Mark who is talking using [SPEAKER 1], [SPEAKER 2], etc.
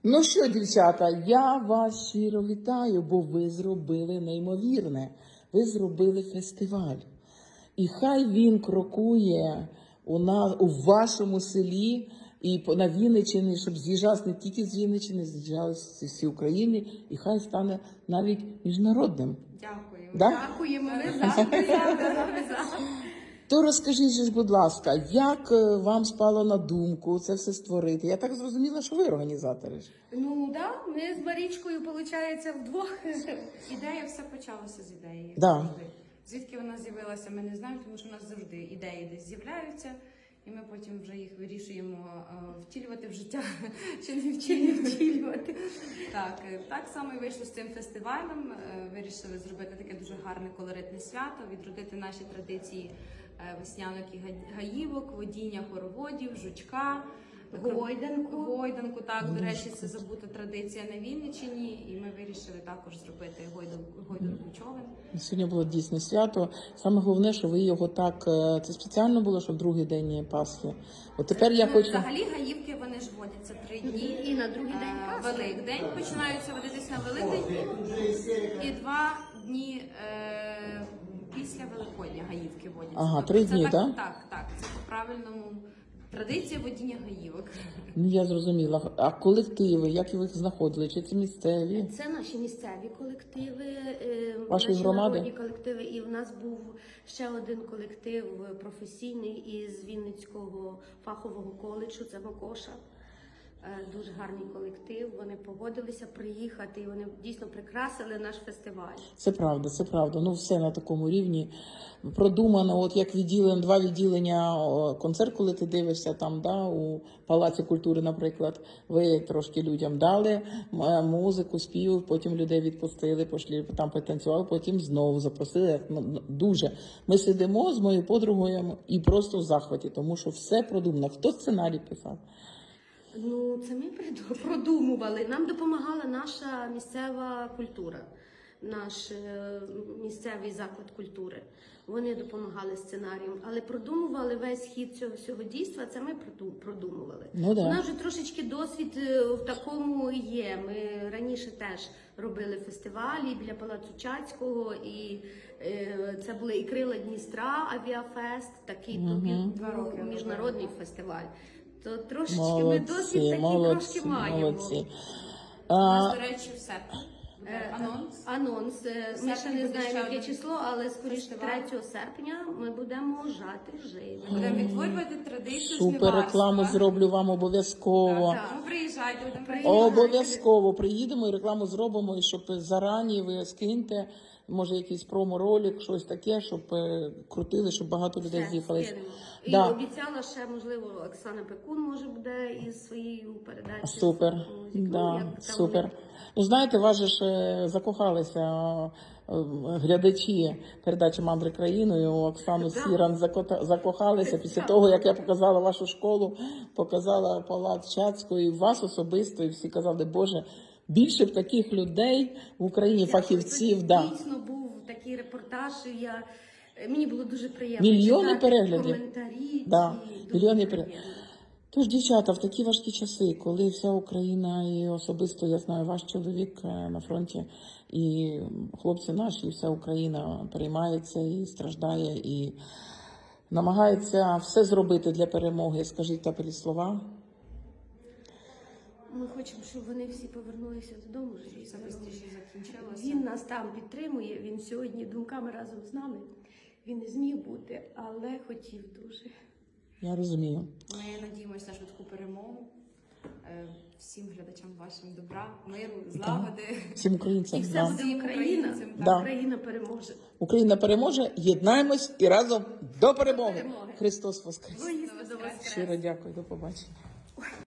[SPEAKER 1] Ну що, дівчата, я вас щиро вітаю, бо ви зробили неймовірне. Ви зробили фестиваль. І хай він крокує у вашому селі і на Вінниччині, щоб з'їжджався не тільки з Вінниччини, з'їжджалися з всієї України, і хай стане навіть міжнародним.
[SPEAKER 2] Дякуємо.
[SPEAKER 1] Да?
[SPEAKER 2] Дякуємо. Ми за.
[SPEAKER 1] То розкажіть же, будь ласка, як вам спало на думку це все створити? Я так зрозуміла, що ви організатори.
[SPEAKER 2] Ну да, ми з Марічкою, виходить, вдвох. Ідея все почалося з ідеї.
[SPEAKER 1] Да.
[SPEAKER 2] Завжди. Звідки вона з'явилася, ми не знаємо, тому що в нас завжди ідеї десь з'являються, і ми потім вже їх вирішуємо втілювати в життя, чи не втілювати. Так само і вийшло з цим фестивалем. Вирішили зробити таке дуже гарне колоритне свято, відродити наші традиції веснянок і гаївок, водіння хороводів, жучка, гойданку. Так, до речі, це забута традиція на Вінниччині, і ми вирішили також зробити гойданку човен.
[SPEAKER 1] Сьогодні було дійсно свято. Саме головне, що ви його так, це спеціально було, що в другий день Пасхи. От тепер я хочу...
[SPEAKER 2] Взагалі гаївки, вони ж водяться 3 дні.
[SPEAKER 3] І на другий день Пасхи.
[SPEAKER 2] Великдень починаються водитись на Великдень і 2 дні після Великодня гаївки водяться.
[SPEAKER 1] Ага,
[SPEAKER 2] Тобто
[SPEAKER 1] 3
[SPEAKER 2] це
[SPEAKER 1] дні,
[SPEAKER 2] так?
[SPEAKER 1] так?
[SPEAKER 2] Так, це по-правильному традиція водіння гаївок.
[SPEAKER 1] Ну, я зрозуміла. А колективи, як ви їх знаходили? Чи це місцеві?
[SPEAKER 3] Це наші місцеві колективи,
[SPEAKER 1] Ваші
[SPEAKER 3] наші
[SPEAKER 1] громади?
[SPEAKER 3] народні колективи. І в нас був ще один колектив професійний із Вінницького фахового коледжу, це Макоша. Дуже гарний колектив, вони погодилися приїхати, і вони дійсно прикрасили наш фестиваль.
[SPEAKER 1] Це правда, це правда. Ну, все на такому рівні продумано. От як відділення, 2 відділення, концерт, коли ти дивишся там, да, у Палаці культури, наприклад, ви трошки людям дали музику, спів, потім людей відпустили, пішли, там потанцювали, потім знову запросили. Ну, дуже. Ми сидимо з моєю подругою і просто в захваті, тому що все продумано. Хто сценарій писав?
[SPEAKER 3] Ну, це ми продумували. Нам допомагала наша місцева культура, наш місцевий заклад культури. Вони допомагали сценаріям, але продумували весь хід цього дійства, це ми продумували.
[SPEAKER 1] Ну, да.
[SPEAKER 3] У нас вже трошечки досвід в такому є. Ми раніше теж робили фестивалі біля Палацу Чацького, і це були і Крила Дністра, Авіафест, такий міжнародний фестиваль. То трошечки
[SPEAKER 1] молодці,
[SPEAKER 3] ми досвід такий трошки маємо.
[SPEAKER 1] Молодці.
[SPEAKER 2] У нас, до речі, все.
[SPEAKER 3] Анонс. Ми ще не
[SPEAKER 2] буде
[SPEAKER 3] знаємо,
[SPEAKER 2] ще
[SPEAKER 3] яке
[SPEAKER 2] один
[SPEAKER 3] число, але скоріше
[SPEAKER 2] фестиваль.
[SPEAKER 3] 3 серпня ми будемо жати живо.
[SPEAKER 2] Будемо відтворювати традицію
[SPEAKER 1] Супер
[SPEAKER 2] жниварства.
[SPEAKER 1] рекламу зроблю вам обов'язково.
[SPEAKER 2] Так, тому приїжджайте, будемо
[SPEAKER 1] Обов'язково приїдемо і рекламу зробимо, і щоб зарані ви скиньте, може якийсь промо-ролик, щось таке, щоб крутили, щоб багато людей
[SPEAKER 3] Все,
[SPEAKER 1] з'їхали.
[SPEAKER 3] скинемо.
[SPEAKER 1] Да.
[SPEAKER 3] І обіцяла ще, можливо, Оксана Пекун може буде із своєю передачею.
[SPEAKER 1] Супер, да, супер. Ну, знаєте, вас же ж закохалися глядачі передачі «Мандри країною». Оксану Сіран закохалися після того, як я показала вашу школу, показала Палац Чацького, і вас особисто, і всі казали, Боже, більше б таких людей в Україні, фахівців. Да.
[SPEAKER 3] Дійсно був такий репортаж, і мені було дуже приємно.
[SPEAKER 1] Мільйони
[SPEAKER 3] читати
[SPEAKER 1] переглядів.
[SPEAKER 3] коментарі.
[SPEAKER 1] Да,
[SPEAKER 3] Дуже
[SPEAKER 1] мільйони
[SPEAKER 3] приємно.
[SPEAKER 1] Тож, дівчата, в такі важкі часи, коли вся Україна і особисто, я знаю, ваш чоловік на фронті, і хлопці наші, і вся Україна переймається і страждає, і намагається все зробити для перемоги. Скажіть теплі слова.
[SPEAKER 3] Ми хочемо, щоб вони всі повернулися додому.
[SPEAKER 2] Все швидше закінчилося.
[SPEAKER 3] Він нас там підтримує, він сьогодні думками разом з нами. Він не зміг бути, але хотів дуже.
[SPEAKER 1] Я розумію.
[SPEAKER 2] Ми надіємося на швидку перемогу. Всім глядачам вашим добра, миру, злагоди.
[SPEAKER 1] Всім українцям.
[SPEAKER 3] І все
[SPEAKER 1] Да.
[SPEAKER 3] буде Україна.
[SPEAKER 1] Да.
[SPEAKER 3] Україна переможе.
[SPEAKER 1] Україна переможе, єднаємось і разом до перемоги. Христос Воскрес!
[SPEAKER 3] Воістину воскрес.
[SPEAKER 1] Щиро дякую, до побачення.